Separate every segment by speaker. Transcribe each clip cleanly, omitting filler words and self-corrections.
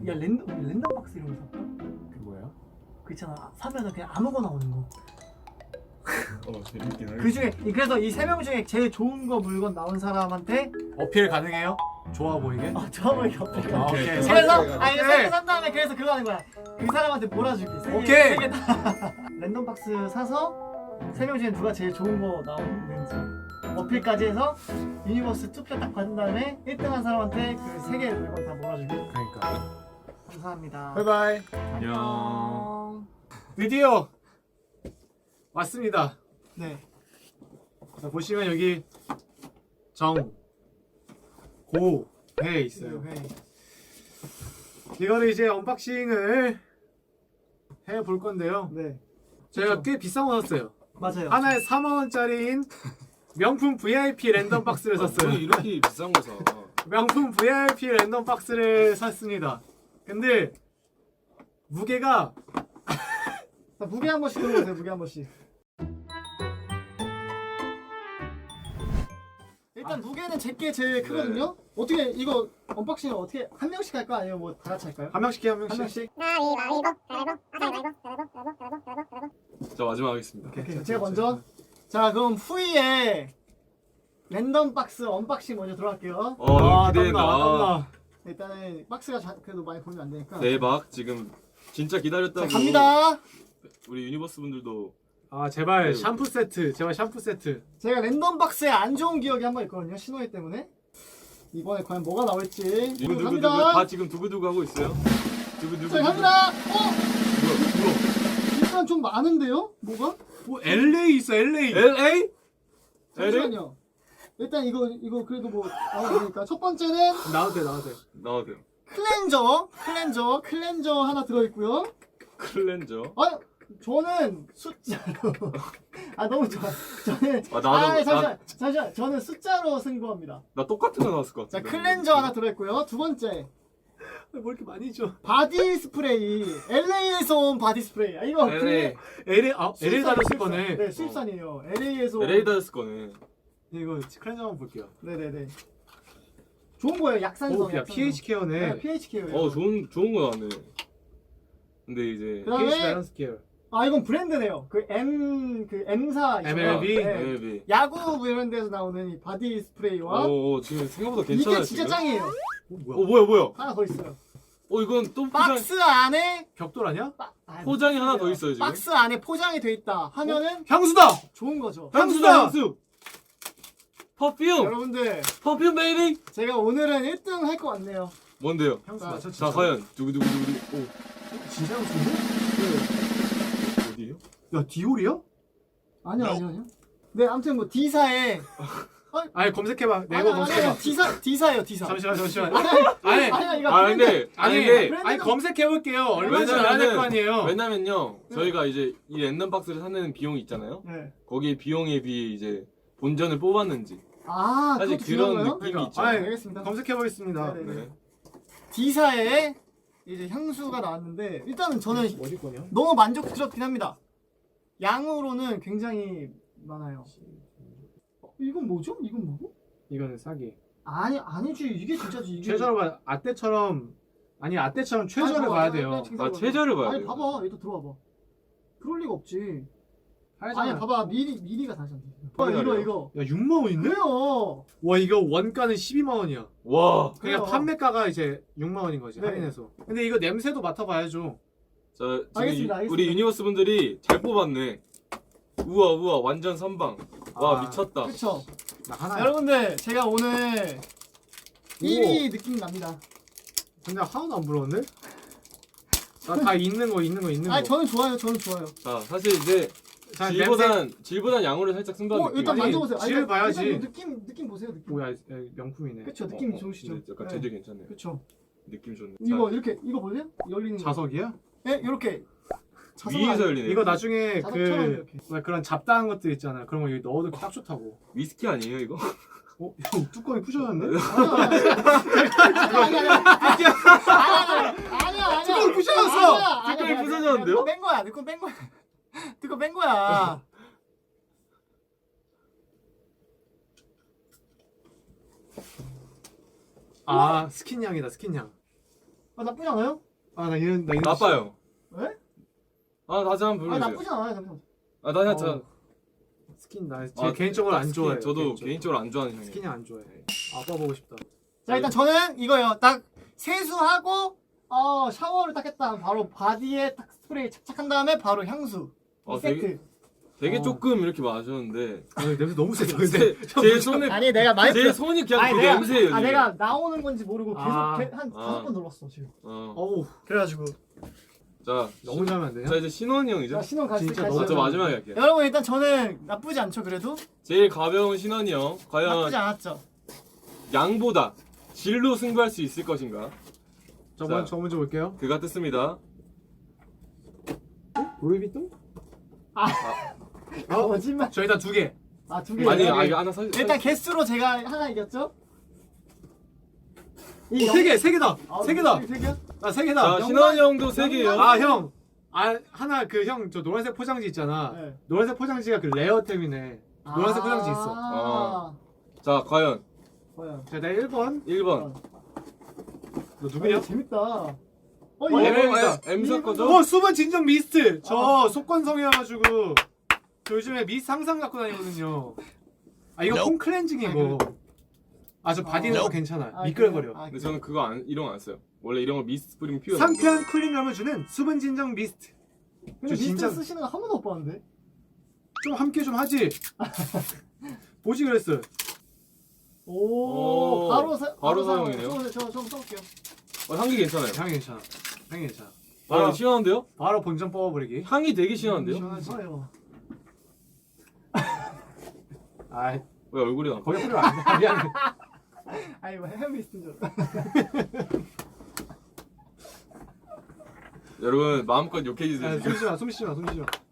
Speaker 1: 야 랜덤 박스 이런 거 사볼까?
Speaker 2: 그 뭐야?
Speaker 1: 그 있잖아 사면은 그냥 아무거나 오는 거.
Speaker 3: 재밌긴 하겠다.
Speaker 1: 그 중에 그래서 이 세 명 중에 제일 좋은 거 물건 나온 사람한테
Speaker 2: 어필 가능해요? 좋아 보이게?
Speaker 1: 좋아 보이게 어필.
Speaker 2: 아, 오케이.
Speaker 1: 그래서 아니
Speaker 2: 오케이.
Speaker 1: 산 다음에 그래서 그거 하는 거야. 그 사람한테 몰아주기.
Speaker 2: 오케이.
Speaker 1: 3개 다. 랜덤 박스 사서 세 명 중에 누가 제일 좋은 거 나오는지 어필까지 해서 유니버스 투표 딱 받은 다음에 1등한 사람한테 그 3개 물건 다 몰아주기.
Speaker 2: 그러니까.
Speaker 1: 감사합니다.
Speaker 2: 바이바이.
Speaker 1: 안녕.
Speaker 2: 드디어 왔습니다.
Speaker 1: 네.
Speaker 2: 자, 보시면 여기 정, 고, 배 있어요.
Speaker 1: 네.
Speaker 2: 이거를 이제 언박싱을 해볼 건데요.
Speaker 1: 네.
Speaker 2: 제가
Speaker 1: 그쵸.
Speaker 2: 꽤 비싼 거 샀어요.
Speaker 1: 맞아요.
Speaker 2: 하나에 4만 원짜리인 명품 VIP 랜덤 박스를 샀어요.
Speaker 3: 이렇게 비싼 거 사.
Speaker 2: 명품 VIP 랜덤 박스를 샀습니다. 근데 무게가
Speaker 1: 자, 무게 한 번씩 들어보세요. 무게 한 번씩. 일단 무게는 제게 제일 크거든요. 어떻게 이거 언박싱을 어떻게 한 명씩 할까 아니면 뭐 다 같이 할까요?
Speaker 2: 한 명씩 해, 한
Speaker 1: 한
Speaker 2: 명씩.
Speaker 1: 명씩.
Speaker 3: 자 마지막 하겠습니다.
Speaker 1: 오케이. 제가 먼저. 자 그럼 후이에 랜덤 박스 언박싱 먼저 들어갈게요.
Speaker 3: 너무
Speaker 2: 아,
Speaker 3: 기대된다.
Speaker 2: 땀나.
Speaker 1: 일단은 박스가 그래도 많이 보면 안 되니까.
Speaker 3: 대박. 지금 진짜 기다렸다고.
Speaker 1: 자 갑니다.
Speaker 3: 우리 유니버스 분들도
Speaker 2: 아 제발
Speaker 3: 네.
Speaker 2: 샴푸 세트, 제발 샴푸 세트.
Speaker 1: 제가 랜덤 박스에 안 좋은 기억이 한 번 있거든요. 신호이 때문에. 이번에 과연 뭐가 나올지.
Speaker 3: 두구두구두구
Speaker 1: 갑니다.
Speaker 3: 다 지금 두구두구 하고 있어요. 두구두구.
Speaker 1: 자 갑니다.
Speaker 3: 뭐야?
Speaker 1: 일단 좀 많은데요? 뭐가?
Speaker 2: 뭐 LA 있어, LA.
Speaker 3: LA?
Speaker 1: 잠시만요. 일단 이거 그래도 뭐 나와야 되니까 첫 번째는
Speaker 2: 나와도 돼, 나와도 돼.
Speaker 3: 나와도 돼요.
Speaker 1: 클렌저 하나 들어있고요.
Speaker 3: 클렌저.
Speaker 1: 아 저는 숫자로 아 너무 좋아. 저는
Speaker 3: 아, 나도-
Speaker 1: 잠시만 저는 숫자로 승부합니다.
Speaker 3: 나 똑같은 거 나왔을 것
Speaker 1: 자
Speaker 3: 같은데.
Speaker 1: 클렌저 하나 들어있고요. 두 번째
Speaker 2: 뭐 이렇게 많이 줘?
Speaker 1: 바디 스프레이 LA에서 온 바디 스프레이. 아 이거
Speaker 3: LA.
Speaker 2: LA, LA 달았을 거네.
Speaker 1: 네 수입산이에요. LA에서 온.
Speaker 3: LA 다였을 거네.
Speaker 2: 이거 클렌저 한번 볼게요.
Speaker 1: 네네네. 좋은 거예요. 약산성.
Speaker 2: 오, 야 pH 케어네.
Speaker 1: 네, pH 케어예요.
Speaker 3: 좋은 거 나왔네. 근데 이제
Speaker 1: 그다음에
Speaker 2: pH 밸런스 케어.
Speaker 1: 아 이건 브랜드네요. 그 M사
Speaker 2: MLB?
Speaker 3: MLB.
Speaker 1: 야구 뭐 이런 데서 나오는 이 바디 스프레이와
Speaker 3: 지금 생각보다 괜찮아요.
Speaker 1: 이게 진짜
Speaker 3: 지금?
Speaker 1: 짱이에요.
Speaker 3: 뭐야?
Speaker 1: 하나 더 있어요.
Speaker 3: 이건 또 포장
Speaker 1: 박스 안에
Speaker 2: 벽돌 아니야?
Speaker 3: 포장이 하나 더 있어요 지금.
Speaker 1: 박스 안에 포장이 돼 있다 하면은
Speaker 2: 향수다!
Speaker 1: 좋은 거죠.
Speaker 2: 향수다!
Speaker 3: 향수. 퍼퓸.
Speaker 1: 여러분들
Speaker 3: 퍼퓸 베이비.
Speaker 1: 제가 오늘은 1등 할 것 같네요.
Speaker 3: 뭔데요?
Speaker 2: 향수
Speaker 1: 자,
Speaker 2: 맞췄지.
Speaker 3: 자 과연 두구두구두구.
Speaker 2: 진짜 향수인데?
Speaker 3: 어디요?
Speaker 2: 야 디올이야?
Speaker 1: 아니요. 네 아무튼 뭐 D사에
Speaker 2: 아니 검색해봐. 네이버 검색해봐.
Speaker 1: D사예요 D사.
Speaker 2: 잠시만.
Speaker 1: 아니
Speaker 2: 아니
Speaker 1: 이거
Speaker 3: 아 근데
Speaker 2: 아니 검색해볼게요. 얼마인지 알아야 될 거 아니에요.
Speaker 3: 왜냐면요
Speaker 1: 네.
Speaker 3: 저희가 이제 이 랜덤 박스를 사는 비용이 있잖아요.
Speaker 1: 네.
Speaker 3: 거기에 비용에 비해 이제 본전을 뽑았는지
Speaker 1: 아
Speaker 3: 사실
Speaker 1: 그것도
Speaker 3: 그런
Speaker 1: 중요한가요?
Speaker 3: 느낌이
Speaker 2: 그러니까.
Speaker 3: 있죠.
Speaker 2: 아니,
Speaker 1: 알겠습니다.
Speaker 2: 검색해보겠습니다.
Speaker 1: 네네.
Speaker 3: 네.
Speaker 1: D사에 이제 향수가 나왔는데 일단은 저는
Speaker 2: 어디 거냐?
Speaker 1: 너무 만족스럽긴 합니다. 양으로는 굉장히 많아요. 이건 뭐죠? 이건 뭐고?
Speaker 2: 이거는 사기.
Speaker 1: 아니지 이게 진짜지 이게.
Speaker 2: 최저로 봐. 아떼처럼 최저를
Speaker 1: 아니,
Speaker 2: 봐야
Speaker 1: 봐봐.
Speaker 2: 돼요.
Speaker 3: 아 최저를 봐야
Speaker 1: 아니
Speaker 3: 돼요.
Speaker 1: 봐봐 얘도 들어와봐. 그럴 리가 없지.
Speaker 2: 하잖아.
Speaker 1: 아니 봐봐 미리가 다르잖아.
Speaker 3: 확인하래요.
Speaker 1: 이거.
Speaker 2: 야 6만 원인데?
Speaker 1: 왜요?
Speaker 2: 와 이거 원가는 12만 원이야.
Speaker 3: 와.
Speaker 1: 그래요.
Speaker 2: 그러니까 판매가가 이제 6만 원인 거지
Speaker 1: 네.
Speaker 2: 할인해서. 근데 이거 냄새도 맡아봐야죠.
Speaker 3: 자 지금
Speaker 1: 알겠습니다.
Speaker 3: 우리 유니버스 분들이 잘 뽑았네. 우와 완전 선방. 와
Speaker 2: 아.
Speaker 3: 미쳤다.
Speaker 1: 그쵸?
Speaker 2: 나 하나야.
Speaker 1: 여러분들 제가 오늘 1위 느낌 납니다.
Speaker 2: 근데 하나도 안 부러운데? 나 다 있는 거.
Speaker 1: 아니 저는 좋아요.
Speaker 3: 자 사실 이제
Speaker 2: 자,
Speaker 3: 질보단 양으로 살짝 승부한 느낌.
Speaker 1: 일단
Speaker 2: 아니,
Speaker 1: 만져보세요.
Speaker 2: 질을
Speaker 1: 일단
Speaker 2: 봐야지.
Speaker 1: 느낌 보세요. 느낌.
Speaker 2: 뭐야 명품이네.
Speaker 1: 그쵸 느낌이 좋으시죠?
Speaker 3: 약간
Speaker 1: 네.
Speaker 3: 재질 괜찮네요.
Speaker 1: 그쵸.
Speaker 3: 느낌 좋네.
Speaker 1: 이거 이렇게 이거 볼래요? 열리는 거.
Speaker 2: 자석이야?
Speaker 1: 네 이렇게.
Speaker 3: 위에서 열리네.
Speaker 2: 이거 나중에
Speaker 1: 자석처럼
Speaker 2: 그
Speaker 1: 이렇게.
Speaker 2: 왜 그런 잡다한 것들 있잖아. 그런 거 여기 넣어도 딱 좋다고.
Speaker 3: 위스키 아니에요 이거?
Speaker 2: 어? 형 뚜껑이 부셔졌네?
Speaker 1: 아니야.
Speaker 2: 뚜껑 부셔졌어!
Speaker 3: 뚜껑이 부서졌는데요?
Speaker 1: 뺀 거야. 뚜껑 뺀 거야.
Speaker 2: 아 스킨 향이다 스킨 향.
Speaker 1: 나쁘지 않아요?
Speaker 2: 나 이런
Speaker 3: 나빠요.
Speaker 1: 왜?
Speaker 3: 아 다시 한번
Speaker 1: 아니
Speaker 3: 불러주세요.
Speaker 1: 나쁘지 않아요. 잠시만.
Speaker 3: 아 다시 한번.
Speaker 2: 스킨 나
Speaker 3: 아,
Speaker 2: 개인적으로 안
Speaker 3: 스킨.
Speaker 2: 좋아해.
Speaker 3: 저도 개인적으로 안 좋아하는 형이에요.
Speaker 2: 스킨이 안 좋아해. 아빠 보고 싶다.
Speaker 1: 자 일단 저는 이거요. 딱 세수하고 샤워를 딱 했다. 바로 바디에 딱 스프레이 착착한 다음에 바로 향수. 이 세트.
Speaker 3: 되게
Speaker 2: 어.
Speaker 3: 조금 이렇게 마셨는데
Speaker 2: 냄새 너무 세다. 근데
Speaker 3: 제 손에
Speaker 1: 아니 내가 많이
Speaker 3: 제 손이 그냥
Speaker 1: 아니
Speaker 3: 그
Speaker 1: 내가
Speaker 3: 냄새예요. 지금.
Speaker 1: 내가 나오는 건지 모르고 계속
Speaker 2: 아.
Speaker 1: 한 5번 눌렀어 지금.
Speaker 2: 어우
Speaker 1: 그래가지고
Speaker 3: 자,
Speaker 2: 너무 잘하면 안 되냐?
Speaker 3: 자 이제 신원이 형이죠.
Speaker 1: 자 신혼 갔을
Speaker 2: 진짜
Speaker 1: 때
Speaker 2: 너무
Speaker 3: 저 마지막에 할게요.
Speaker 1: 여러분 일단 저는 나쁘지 않죠 그래도?
Speaker 3: 제일 가벼운 신원이 형. 과연
Speaker 1: 나쁘지 않았죠.
Speaker 3: 양보다 질로 승부할 수 있을 것인가?
Speaker 2: 저
Speaker 3: 자.
Speaker 2: 먼저 볼게요.
Speaker 3: 그가 뜻습니다.
Speaker 2: 루이비통?
Speaker 1: 거짓말.
Speaker 2: 저 일단 2개.
Speaker 1: 두 개.
Speaker 3: 아니,
Speaker 2: 네.
Speaker 3: 이거 하나 사.
Speaker 1: 일단 개수로 제가 하나 이겼죠? 이
Speaker 2: 3개, 3개다.
Speaker 1: 아,
Speaker 2: 3개다.
Speaker 1: 세 개야?
Speaker 2: 나 3개다.
Speaker 3: 자, 신원이 형도 3개예요.
Speaker 2: 아, 형. 하나 그 형 저 노란색 포장지 있잖아.
Speaker 1: 네.
Speaker 2: 노란색 포장지가 그 레어템이네. 노란색 포장지 있어.
Speaker 1: 아.
Speaker 3: 자, 과연
Speaker 1: 뭐야?
Speaker 2: 자, 나 1번.
Speaker 3: 1번.
Speaker 2: 너 누구냐?
Speaker 1: 재밌다.
Speaker 3: M 거죠?
Speaker 2: 수분 진정 미스트. 저 속건성이어가지고 저 요즘에 미스트 항상 갖고 다니거든요. 이거 폼 클렌징이고. 저 바디는 괜찮아. 미끌거려.
Speaker 3: 근데 저는 그거 이런 거 안 써요. 원래 이런 거 미스트 뿌리면 피어.
Speaker 2: 상쾌한 쿨링감을 주는 수분 진정 미스트.
Speaker 1: 근데
Speaker 2: 저 진짜-
Speaker 1: 미스트 쓰시는 거 한 번도 못 봤는데?
Speaker 2: 좀 함께 좀 하지. 보지 그랬어.
Speaker 1: 오,
Speaker 3: 바로 사용이네요.
Speaker 1: 저 써볼게요.
Speaker 3: 향기 괜찮아요.
Speaker 2: 향이 괜찮아. 향이 괜찮아.
Speaker 3: 바로 시원한데요?
Speaker 2: 바로 본전 뽑아버리기.
Speaker 3: 향이 되게 시원한데요?
Speaker 1: 좋아요.
Speaker 2: 아,
Speaker 3: 왜 얼굴이 나?
Speaker 2: 거기 뿌리면 안 돼. 미안해.
Speaker 1: 아니 뭐 헤어 미스트인 줄.
Speaker 3: 여러분 마음껏 욕해주세요. 지금.
Speaker 2: 숨 쉬지 마.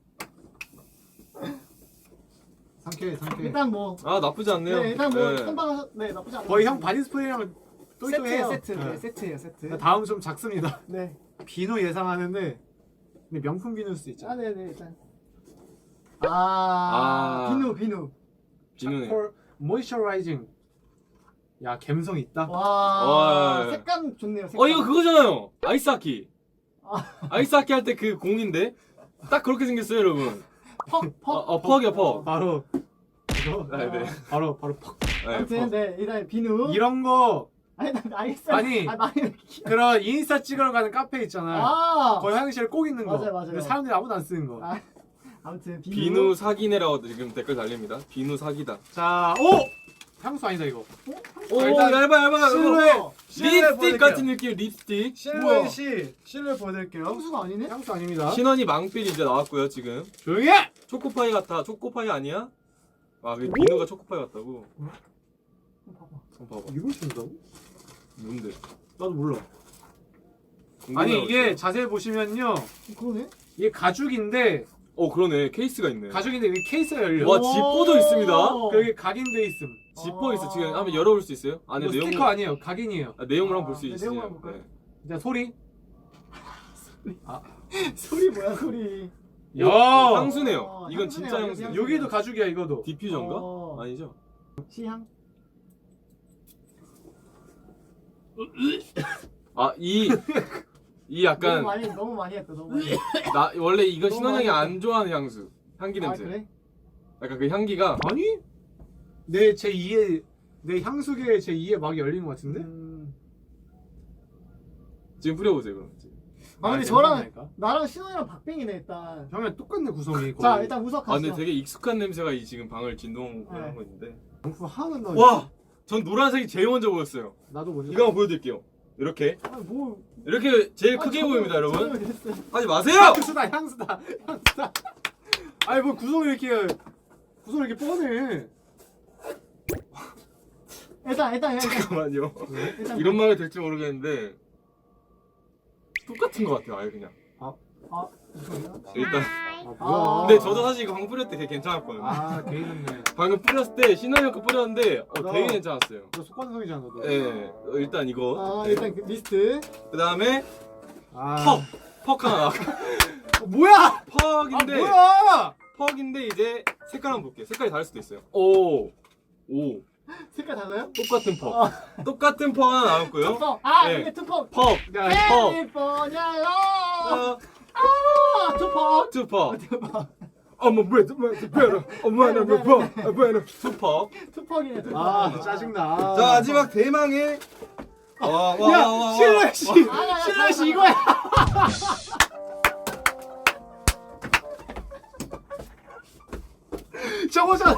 Speaker 2: 상쾌해.
Speaker 1: 일단 뭐
Speaker 3: 나쁘지 않네요.
Speaker 1: 네, 일단 뭐
Speaker 3: 네.
Speaker 1: 선방하셨 네 나쁘지 않아요.
Speaker 2: 거의 형 바디 스프레이랑
Speaker 1: 세트예요,
Speaker 2: 또이또해요.
Speaker 1: 세트. 네, 세트예요, 세트.
Speaker 2: 다음 좀 작습니다.
Speaker 1: 네.
Speaker 2: 비누 예상하는데 근데 명품 비누일 수 있잖아.
Speaker 1: 네네 일단. 비누.
Speaker 3: 비누네.
Speaker 2: 차콜 모이스처라이징. 야, 감성 있다.
Speaker 1: 와.
Speaker 3: 와.
Speaker 1: 색감 좋네요. 색감.
Speaker 3: 이거 그거잖아요. 아이스하키.
Speaker 1: 아.
Speaker 3: 아이스하키 할 때 그 공인데 딱 그렇게 생겼어요, 여러분. 퍽이야, 퍽.
Speaker 2: 바로 이거.
Speaker 3: 네.
Speaker 2: 바로 퍽.
Speaker 3: 네,
Speaker 1: 아무튼
Speaker 3: 퍽.
Speaker 1: 네 일단 비누.
Speaker 2: 이런 거
Speaker 1: 아니 나 알겠어요.
Speaker 2: 아니.
Speaker 1: 많이.
Speaker 2: 그런 인스타 찍으러 가는 카페 있잖아. 거기 화장실에 꼭 있는 거.
Speaker 1: 맞아요.
Speaker 2: 근데 사람들이 아무도 안 쓰는 거.
Speaker 1: 아무튼
Speaker 3: 비누 사기네라고 지금 댓글 달립니다. 비누 사기다.
Speaker 2: 자, 오! 향수 아니다 이거.
Speaker 3: 오,
Speaker 2: 일단
Speaker 3: 얇아.
Speaker 2: 실루엣
Speaker 3: 립스틱 같은 느낌, 립스틱.
Speaker 2: 실루엣 보여드릴게요.
Speaker 1: 향수가 아니네?
Speaker 2: 향수 아닙니다.
Speaker 3: 신원이 망필 이제 나왔고요, 지금.
Speaker 2: 조용히 해!
Speaker 3: 초코파이 같아. 초코파이 아니야? 그 비누가 초코파이 같다고.
Speaker 1: 봐봐.
Speaker 3: 한번 봐봐.
Speaker 2: 이걸 준다고?
Speaker 3: 뭔데?
Speaker 2: 나도 몰라.
Speaker 3: 궁금해요,
Speaker 2: 아니 이게
Speaker 3: 진짜.
Speaker 2: 자세히 보시면요.
Speaker 1: 그러네.
Speaker 2: 이게 가죽인데
Speaker 3: 그러네. 케이스가 있네.
Speaker 2: 가죽인데 여기 케이스가 열려.
Speaker 3: 와, 지퍼도 있습니다.
Speaker 2: 여기 각인돼 있음.
Speaker 3: 지퍼 있어. 지금 한번 열어볼 수 있어요? 안에
Speaker 2: 이거
Speaker 3: 내용
Speaker 2: 스티커 아니에요. 각인이에요.
Speaker 3: 내용을 한번 볼 수
Speaker 1: 네,
Speaker 3: 있어요.
Speaker 1: 내용을 한번 볼까요?
Speaker 2: 일단 소리.
Speaker 1: 소리 뭐야 소리.
Speaker 2: 야!
Speaker 3: 향수네요. 이건
Speaker 1: 향수네요,
Speaker 3: 진짜 향수.
Speaker 1: 향수.
Speaker 2: 여기도 가죽이야 이거도.
Speaker 3: 디퓨저인가? 아니죠?
Speaker 1: 시향.
Speaker 3: 이 약간
Speaker 1: 너무 많이 했다. 너무 많이.
Speaker 3: 원래 이거
Speaker 1: 너무
Speaker 3: 신원 형이
Speaker 1: 많이
Speaker 3: 안 좋아하는 향수. 향기 냄새.
Speaker 1: 그래?
Speaker 3: 약간 그 향기가
Speaker 2: 아니? 내 제2의 내 향수계의 제2의 막이 열린 것 같은데?
Speaker 3: 지금 뿌려보세요 그럼.
Speaker 1: 근데 저랑 나랑 신원이랑 박빙이네 일단.
Speaker 2: 형이랑 똑같네 구성이.
Speaker 1: 자
Speaker 2: 거의.
Speaker 1: 일단 우석
Speaker 3: 근데
Speaker 1: 가시죠.
Speaker 3: 되게 익숙한 냄새가 지금 방을 진동하고
Speaker 1: 네.
Speaker 3: 하고 있는데.
Speaker 2: 명품 하나는 나.
Speaker 3: 와! 전 노란색이 제일 먼저 보였어요.
Speaker 2: 나도 먼저.
Speaker 3: 이거 한번 보여드릴게요. 이렇게
Speaker 1: 뭐.
Speaker 3: 이렇게 제일 크게 보입니다 여러분.
Speaker 1: 됐어요.
Speaker 3: 하지 마세요!
Speaker 2: 향수다. 아니 뭐 구성이 이렇게 뻔해.
Speaker 1: 일단.
Speaker 3: 잠깐만요.
Speaker 1: 일단
Speaker 3: 이런 말이 될지 모르겠는데 똑같은 것 같아요 아예 그냥. 일단
Speaker 2: 뭐야?
Speaker 3: 근데 저도 사실 이거 방 뿌릴 때 되게 괜찮았거든요.
Speaker 2: 개인했네.
Speaker 3: 방금 뿌렸을 때 신원이 형 거 뿌렸는데 되게 괜찮았어요.
Speaker 2: 너 속건성이잖아 너도.
Speaker 3: 예, 일단 이거.
Speaker 1: 일단 그 리스트.
Speaker 3: 그 다음에
Speaker 2: 아.
Speaker 3: 퍽 하나.
Speaker 2: 뭐야?
Speaker 3: 퍽인데
Speaker 2: 뭐야?
Speaker 3: 퍽인데 이제 색깔 한번 볼게요. 색깔이 다를 수도 있어요. 오.
Speaker 1: 색깔 달라요?
Speaker 3: 똑같은 퍽. 똑같은 퍽 하나 나왔고요.
Speaker 1: 투퍽. 아
Speaker 3: 네.
Speaker 1: 이게 투퍽.
Speaker 3: 퍽. 퍽.
Speaker 1: 캘리포니아 로. 아 투퍽.
Speaker 3: 투퍽.
Speaker 1: 투퍽.
Speaker 3: 어머 왜 better. 어머 나 better. 투퍽.
Speaker 1: 투퍽이네 투퍽.
Speaker 2: 아 짜증나.
Speaker 3: 자 마지막 대망의.
Speaker 2: 야 실내 씨. 실내 씨 이거야. 저거잖아.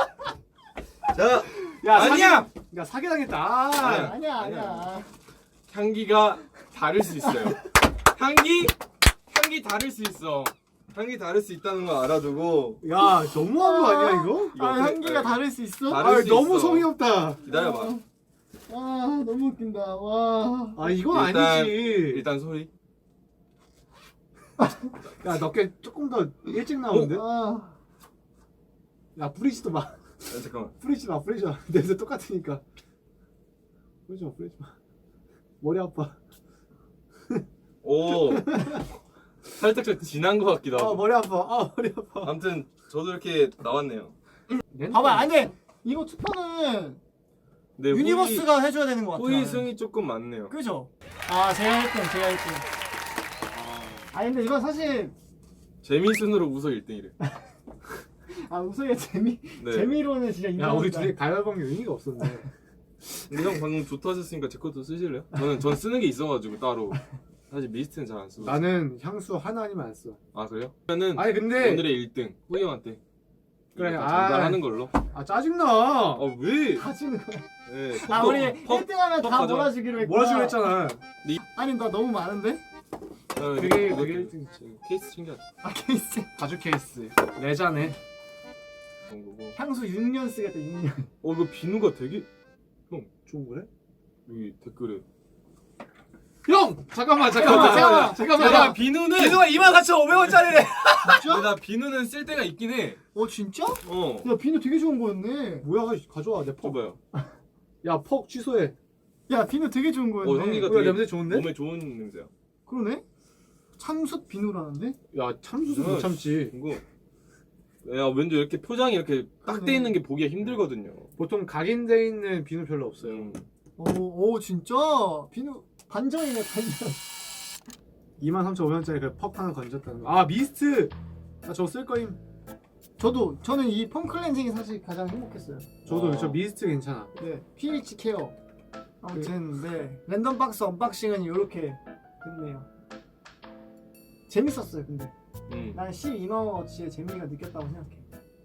Speaker 3: 자
Speaker 2: 야
Speaker 3: 아니야.
Speaker 2: 야 사기당했다. 아.
Speaker 1: 아니야.
Speaker 3: 향기가 다를 수 있어요. 향기 다를 수 있어. 향기 다를 수 있다는 거 알아두고.
Speaker 2: 야 너무한 거 아니야 이거?
Speaker 3: 이거
Speaker 1: 아
Speaker 3: 어떻게-
Speaker 1: 향기가 다를 수 있어?
Speaker 3: 다를
Speaker 2: 아
Speaker 3: 수
Speaker 2: 너무
Speaker 3: 있어.
Speaker 2: 성의 없다.
Speaker 3: 기다려봐.
Speaker 1: 와 너무 웃긴다. 와.
Speaker 2: 아 이건
Speaker 3: 일단-
Speaker 2: 아니지.
Speaker 3: 일단 소리.
Speaker 2: 야 너께 조금 더 일찍 나오는데?
Speaker 1: 아.
Speaker 2: 야 뿌리지도 마.
Speaker 3: 잠깐만.
Speaker 2: 뿌리지 마. 냄새 똑같으니까. 뿌리지 마. 머리 아파.
Speaker 3: 오. 살짝 좀 진한 것 같기도
Speaker 2: 아
Speaker 3: 하고.
Speaker 2: 머리 아파. 머리 아파.
Speaker 3: 아무튼 저도 이렇게 나왔네요.
Speaker 1: 봐봐 아니 이거 투표는
Speaker 3: 네,
Speaker 1: 유니버스가 해줘야 되는 것 같아.
Speaker 3: 호의
Speaker 1: 나는.
Speaker 3: 승이 조금 많네요.
Speaker 1: 그죠? 아 제가 1등. 아 근데 이건 사실
Speaker 3: 재미순으로 우서 1등이래.
Speaker 1: 아 우승의
Speaker 3: 네.
Speaker 1: 재미로는 진짜
Speaker 2: 야
Speaker 1: 인정한다.
Speaker 2: 우리 둘이 가위바위보 의미가 없었네.
Speaker 3: 근데 형 방금 좋다 하셨으니까 제 것도 쓰실래요? 전 쓰는 게 있어가지고 따로. 사실 미스트는 잘 안 쓰고.
Speaker 2: 나는 향수 하나 아니면 안 써.
Speaker 3: 아 그래요? 그러면은
Speaker 2: 아니 근데
Speaker 3: 오늘의 1등 호이 형한테.
Speaker 2: 그래,
Speaker 3: 일단
Speaker 2: 아.
Speaker 3: 전달하는 걸로.
Speaker 2: 아 짜증나.
Speaker 3: 아 왜?
Speaker 1: 가지는 거야.
Speaker 3: 네,
Speaker 1: 아 우리 1등하면 다
Speaker 3: 가져.
Speaker 1: 몰아주기로 했구나.
Speaker 2: 몰아주기로 했잖아.
Speaker 1: 아니 나 너무 많은데?
Speaker 2: 그게 1등.
Speaker 3: 케이스 챙겨야
Speaker 1: 아 케이스.
Speaker 2: 가죽 케이스. 레자네.
Speaker 3: 되는 거고.
Speaker 1: 향수 6년 쓰겠다 6년.
Speaker 3: 이거 비누가 되게
Speaker 2: 좋은 거래?
Speaker 3: 여기 댓글에.
Speaker 2: 형! 잠깐만.
Speaker 3: 야 비누는
Speaker 2: 24,500원짜리래.
Speaker 1: 진짜?
Speaker 3: 나 비누는 쓸 때가 있긴 해.
Speaker 1: 어 진짜?
Speaker 3: 어.
Speaker 1: 야 비누 되게 좋은 거였네.
Speaker 2: 뭐야 가져와 내 퍽.
Speaker 3: 줘봐요.
Speaker 2: 야 퍽 취소해.
Speaker 1: 야 비누 되게 좋은 거였네.
Speaker 3: 향기가
Speaker 2: 뭐야
Speaker 3: 되게
Speaker 2: 냄새 좋은데?
Speaker 3: 몸에 좋은 냄새야.
Speaker 1: 그러네? 참숯 비누라는데?
Speaker 2: 야 참수도 못 참지.
Speaker 3: 이거. 야 왠지 이렇게 포장이 이렇게 딱 돼
Speaker 1: 그러네.
Speaker 3: 있는 게 보기가 힘들거든요.
Speaker 2: 보통 각인돼 있는 비누 별로 없어요.
Speaker 1: 오 진짜? 비누 반전이네 반전.
Speaker 2: 23,500원짜리 그 퍽 하나 건졌다는 거. 아 미스트. 나 저거 쓸 거임.
Speaker 1: 저는 이 폼 클렌징이 사실 가장 행복했어요.
Speaker 2: 저도 저 미스트 괜찮아.
Speaker 1: 네, pH 케어. 아무튼 네 랜덤 박스 언박싱은 이렇게 됐네요. 재밌었어요, 근데 난 12만원어치의 재미가 느꼈다고 생각해.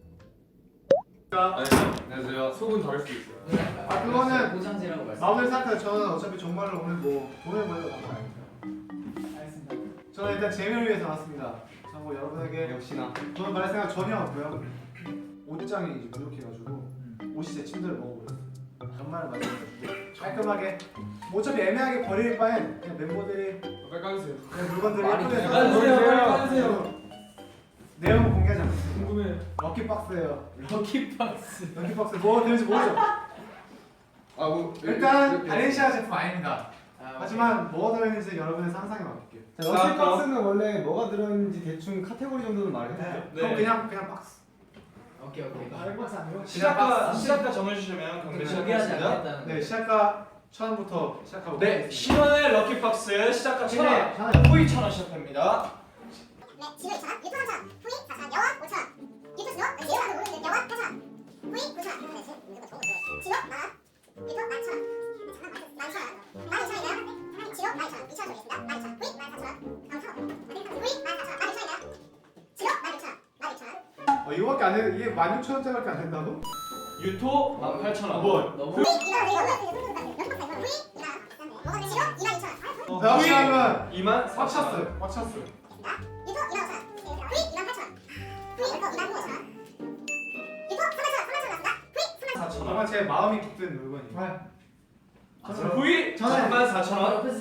Speaker 3: 안녕하세요. 속은 다를 수 있어요.
Speaker 2: 아 그거는
Speaker 4: 보상제라고
Speaker 2: 마음을 생각해. 저는 어차피 정말로 오늘 뭐 돈을 벌려고 나온 거 아니죠.
Speaker 1: 알겠습니다.
Speaker 2: 저는 일단 재미를 위해서 왔습니다. 뭐 여러분에게
Speaker 3: 역시나.
Speaker 2: 저는 말할 생각 전혀 없고요. 옷장이 이제 부족해가지고 옷이 제 침대를 먹어버렸어요. 정말 맞아가지고 깔끔하게 뭐 어차피 애매하게 버릴 바엔 그냥 멤버들이
Speaker 3: 빨리 까주세요.
Speaker 2: 그냥 물건들이
Speaker 4: 빨리
Speaker 2: 예쁘게
Speaker 4: 까주세요, 빨리
Speaker 2: 까주세요. 내용은 공개하지 않겠습니다.
Speaker 3: 궁금해.
Speaker 2: 럭키박스예요.
Speaker 4: 럭키박스.
Speaker 2: 럭키박스 뭐가 되는지 모르죠?
Speaker 3: 아뭐
Speaker 2: 일단 발렌시아 제품 아닙니다. 하지만 뭐가 들어있는지 여러분의 상상에 맡길게요.
Speaker 3: 자,
Speaker 5: 럭키박스는 원래 뭐가 들어있는지 대충 카테고리 정도는 말해주세요.
Speaker 2: 네.
Speaker 3: 네.
Speaker 2: 그럼 그냥 박스.
Speaker 4: 오케이.
Speaker 1: 알박스 아니고?
Speaker 3: 시작가 정해주시면
Speaker 4: 공개하지 않겠다는.
Speaker 2: 네 시작가 1,000원부터 시작하고
Speaker 6: 네, 10원의 럭키박스 시작가 1,000원, 후이 1,000원 시작합니다.
Speaker 7: 네, 지금 2,000원, 유튜브 3,000원, 후이 4,000원, 영화 5,000원, 유튜브 스노, 예로 나도 모르는 영화 8,000원, 후이 9,000원, 지로 만원, 유튜브 11,000원, 11,000원, 12,000원이네요. 지로 12,000원, 2,000원 드리겠습니다. 12,000원, 후이 14,000원, 후이 14,000원, 12,000원이네요. 지로 16,000원, 12,000원.
Speaker 2: 이거밖에 안 해. 이게 16,000원짜리밖에 안 된다고?
Speaker 6: 유토 18,000원.
Speaker 2: 뭐?
Speaker 4: 너무
Speaker 7: 후이 이거 우리 연락 후이 이거 지로 22,000원,
Speaker 2: 나 혹시 하면
Speaker 6: 24,000원.
Speaker 2: 꽉 찼어요.
Speaker 7: 유튜브 28,000원, 후이 28,000원, 후이 25,000원, 유튜브 3,000원, 3,000원 나왔습니다. 후이 3,000원.
Speaker 2: 정말 제 마음이 깊은 물건이에요.
Speaker 6: 후이 34,000원.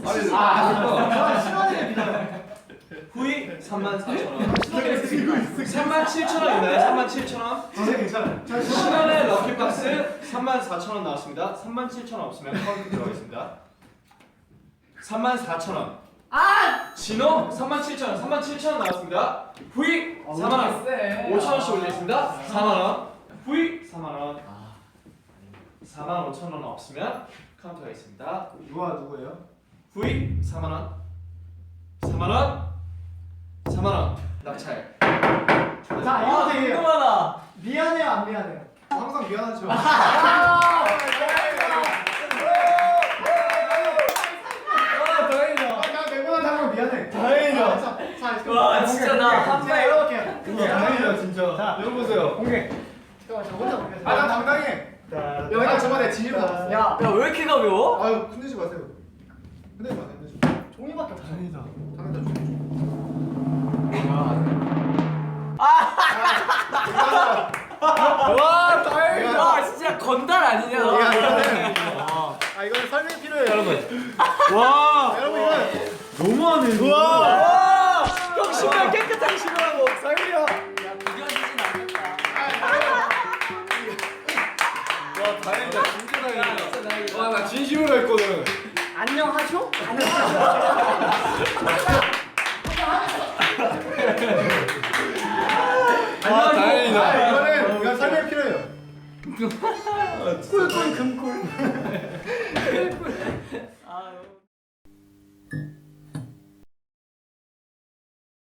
Speaker 6: 후이 34,000원. 37,000원인가요? 37,000원.
Speaker 2: 진짜 괜찮아요.
Speaker 6: 10원의 럭키박스 34,000원 나왔습니다. 37,000원 없으면 카운트 들어가겠습니다. 34,000원. 진호 37,000원. 37,000원 나왔습니다. 후이 4만원. 5,000원씩 올리겠습니다. 4만원. 후이 4만원. 45,000원 없으면 카운트가 있습니다.
Speaker 5: 누구예요?
Speaker 6: 후이 4만원 4만원 4만원 낙찰.
Speaker 1: 자 이거 되게
Speaker 4: 궁금하다.
Speaker 1: 미안해요 안 미안해요?
Speaker 5: 항상 미안하죠.
Speaker 1: 나 매번 하면 미안해.
Speaker 5: 다행이다.
Speaker 1: 자,
Speaker 4: 와, 진짜 나 한 발.
Speaker 1: 이렇게.
Speaker 5: 다행이다 진짜.
Speaker 1: 자,
Speaker 5: 여기 보세요.
Speaker 1: 공개. 잠깐만 저 혼자 공개.
Speaker 5: 난 당당해. 야, 내가 저번에 진입 받았어.
Speaker 1: 야,
Speaker 4: 야, 왜 이렇게 가벼워?
Speaker 5: 아유, 흔들지 마세요. 흔들지 마세요. 흔들지 마세요.
Speaker 1: 종이밖에 없어.
Speaker 5: 당연히다. 당연히다.
Speaker 4: 와, 다행이다. 와, 진짜 건달 아니냐?
Speaker 5: 이거는 설명이 필요해요, 여러분.
Speaker 2: 와
Speaker 5: 여러분 이거
Speaker 2: 너무하네.
Speaker 4: 와, 형 신발 깨끗하게 신으라고. 설미야. 야, 구겨지진 않겠다.
Speaker 3: 와 다행이다. 진짜 다행이다.
Speaker 4: 진짜 다행이다.
Speaker 3: 와 나 진심으로 했거든.
Speaker 1: 안녕하쇼?
Speaker 3: 아 다행이다.
Speaker 5: 이거는 설명이 필요해요.
Speaker 1: 꿀꿀 금꿀.
Speaker 4: 아,